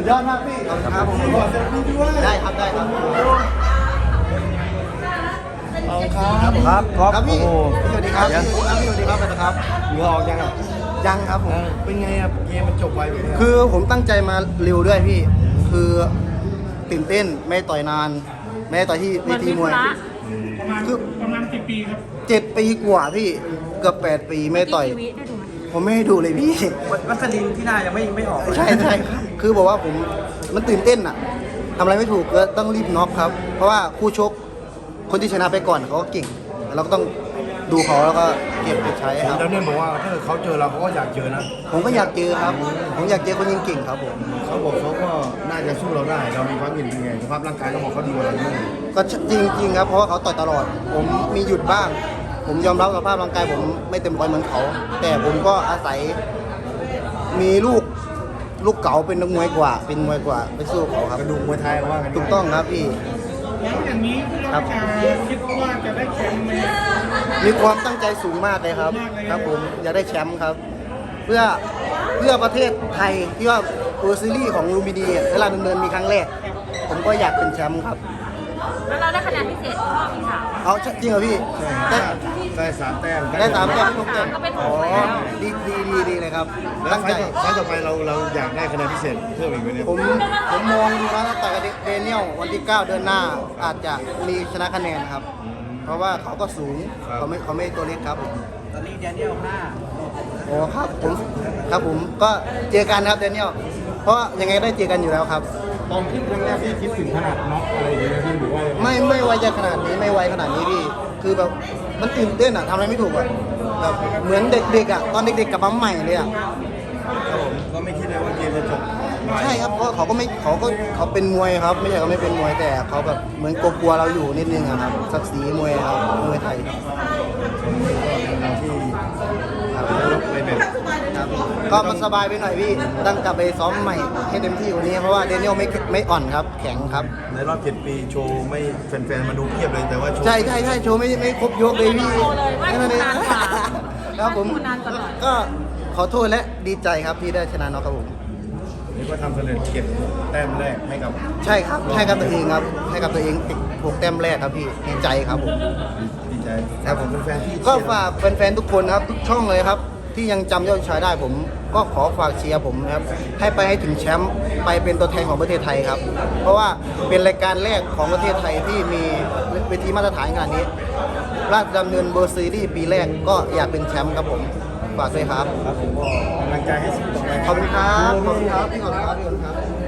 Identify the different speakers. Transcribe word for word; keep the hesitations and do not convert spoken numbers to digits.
Speaker 1: ยอดมากพี่ครับผมขอเซลฟี่ด้วยได้ครับได้ครับเอาครับ
Speaker 2: ครับครับ
Speaker 1: ครับพี่
Speaker 2: โอ้โห
Speaker 1: สวัสดีครับพี่สวัสดีครับนะครับ
Speaker 2: เหงื่อออกยังอ่ะ
Speaker 1: ยังครับผม
Speaker 2: เป็นไงอ่ะเกมมันจบไวแบบนี้
Speaker 1: คือผมตั้งใจมาเร็วด้วยพี่ คือตื่นเต้นไม่ต่อยนาน ไม่ได้ต่อยที่เวทีมวย
Speaker 3: ประมาณ
Speaker 1: คือ
Speaker 3: ประมาณกี่ปีครับ
Speaker 1: เจ็ดปีกว่าพี่เกือบแปดปีไม่ต่อย
Speaker 4: กี่วิได้ดูไหม
Speaker 1: ผมไม่ให้ดูเลยพี่
Speaker 2: วัสลินที่หน้ายังไม่ไม่ออก
Speaker 1: ใช่ใช่ครับคือบอกว่าผมมันตื่นเต้นอะทำอะไรไม่ถูกก็ต้องรีบน็อกครับ เพราะว่าคู่ชกคนที่ชนะไปก่อนเขาก็เก่งเราก็ต้องดูเขาแล้วก็เก็บไปใช้ครับ
Speaker 2: แล้วเนี่ยบอกว่าถ้าเกิดเขาเจอเราเขาก็อยากเจอนะ
Speaker 1: ผมก็อยากเจอครับ ผมอยากเจอคนยิงเก่งครับผม
Speaker 2: เขาบอกเขาก็น่าจะสู้เราได้ เรามีความเห็นเป็นไงสภาพร่างกายเขาบอกเขาดีกว่าเราด้วย
Speaker 1: ก็จริงจริงๆครับเพราะว่าเขาต่อยตลอด ผมมีหยุดบ้าง ผมยอมรับสภาพร่างกายผมไม่เต็มร้อยเหมือนเขา แต่ผมก็อาศัยมีลูกลูกเก๋าเป็นนักมวยกว่า เป็นมวยกว่าไปสู้เขาครับ
Speaker 2: กระดูกมวยไทยเขาว่ากัน
Speaker 1: ถูกต้องครับพี่
Speaker 3: แล้วอย่างนี้เราจะคิดว่าจะได้แชมป์ไหม
Speaker 1: มีความตั้งใจสูงมากเลยครับ
Speaker 3: มากเลย
Speaker 1: ครับผมอยากได้แชมป์ครับ เพื่อเพื่อประเทศไทยที่ว่าเวอร์ซีรีส์ของลูมพินีเวลาดำเนินมีครั้งแรก ผมก็อยากเป็นแชมป์ครับ
Speaker 4: แล้วเราได้คะแนนพิเศษรอบที่สาม
Speaker 1: เอาจริงเหรอพี่ได้
Speaker 2: ได้สามแต้ม
Speaker 1: ได้สามแต้มทุกแต้ม
Speaker 4: ก็เป็นห
Speaker 1: อ๋
Speaker 4: ก
Speaker 1: อ
Speaker 4: แล้ว
Speaker 1: ดีดีดีดีเลยครับ
Speaker 2: แล้ว
Speaker 1: ตั้ง
Speaker 2: ไฟ
Speaker 1: ใจ
Speaker 2: ต์ต่อไฟต์ต่อไปเราเราอยากได้คะแนนพิเศษเพิ่มอีกไหมเนี่ย
Speaker 1: ผมผมมองดูว่าถ้าต่อยกับเดเนียลวันที่เก้าเดือนหน้าอาจจะมีชนะคะแนนครับ เพราะว่าเขาก็สูงเขาไม่เขาไม่ตัวเล็กครับผม
Speaker 2: ตอนนี้แดเนียลห้า
Speaker 1: โอ้ครับผมครับผมก็เจอกันครับเดเนียลเพราะยังไงได้เจอกันอยู่แล้วครับ
Speaker 3: ตอนที่ครั้งแรกที่คิดถึงขนาดน็อกอะไรอย่างเงี้ยพี่หรือว่า
Speaker 1: ไม่ไม่ไวจะขนาดนี้ไม่ไวขนาดนี้พี่คือแบบมันตื่นเต้นอะทำอะไรไม่ถูกอะแบบเหมือนเด็กๆอะตอนเด็กๆกลับมาใหม่เลยอะ
Speaker 2: ครับผมก็ไม่คิดเลยว่าเกมจะจบไว
Speaker 1: ใช่ครับเพราะเขาก็ไม่เขาก็เขาเป็นมวยครับ ไม่ใช่เขาไม่เป็นมวยแต่เขาแบบเหมือนกลัวๆเราอยู่นิดนึงอะครับศักดิ์ศรีมวยครับมวยไทย
Speaker 2: เราที่
Speaker 1: ครับ
Speaker 2: ลบไปแบบ
Speaker 1: ครับก็มันสบายไปหน่อยพี่ต้องกลับไปซ้อมใหม่ให้เต็มที่กว่านี้เพราะว่าเดนิเอลไม่ไม่อ่อนครับแข็งครับ
Speaker 2: ในรอบเจ็ดปีโชว์ไม่แฟนๆมาดูเพียบเลยแต่ว่าโชว์
Speaker 1: ใช่ใช่ใช่โชว์ไม่ไม่ครบยกเลยพี่
Speaker 4: โชว์เลยว่า
Speaker 1: นั่นเอง
Speaker 4: นานกว่า
Speaker 1: ครับผม
Speaker 4: นานกว่าหน่อย
Speaker 1: ก็ขอโทษและดีใจครับที่ได้ชนะน็อกครับผม
Speaker 2: นี่ก็ทำสำเร็จเก็บแต้มแรกให้กับ
Speaker 1: ใช่ครับให้กับตัวเองครับให้กับตัวเองติดหกแต้มแรกครับพี่ดีใจครับผม
Speaker 2: ดีใจ
Speaker 1: ครับผม
Speaker 2: เป็นแฟนที่
Speaker 1: ก็ฝากแฟนๆทุกคนนะครับทุกช่องเลยครับ ที่ยังจำยอดชายได้ผม ก็ขอฝากเชียร์ผมนะครับให้ไปให้ถึงแชมป์ไปเป็นตัวแทนของประเทศไทยครับ เพราะว่าเป็นรายการแรกของประเทศไทยที่มีเวทีมาตรฐานขนาดนี้ ราชดำเนินเบอร์ซีรีส์ปีแรกก็อยากเป็นแชมป์ครับผมฝากด้วยครับ
Speaker 2: ครับผมก็กำลังใจให้สู้ต่อไป
Speaker 1: ขอบคุณครับขอบคุณครับพี่ขอบคุณครับพี่ขอบคุณครับ